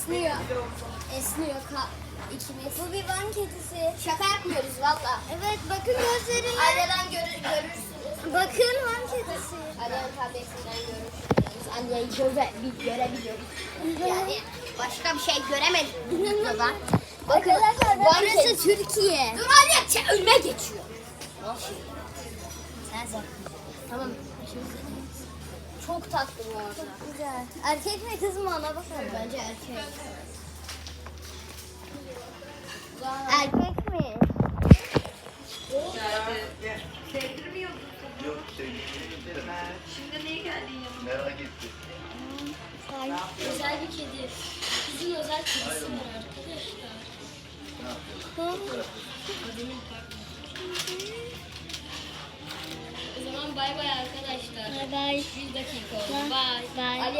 esniyor. Esniyor. İkimiz. Bu bir Van kedisi. Şaka yapmıyoruz valla. Evet bakın gözlerine. Aynadan görürsünüz. Bakın Van kedisi. Aynadan tabletinden görürsünüz. Anneyi görebiliyoruz. Yani başka bir şey göremedik videodan. Bakın burası Türkiye. Dur anne önüme geçiyor. Nasıl? Sen. Tamam. Çok tatlı bu arada. Çok güzel. Erkek mi kız mı ona bakalım. Bence erkek. Erkek mi? Sevdirmiyordun. Yok sevgilim. Şimdi niye geldin yanıma? Merak ettim. Özel bir kedi. Bizim özel kedisi var arkadaşlar. Ne yapıyorsun? Kadının partneri. O zaman bay bay arkadaşlar. Bye bye. Bir dakika oldu. Bye. Bye.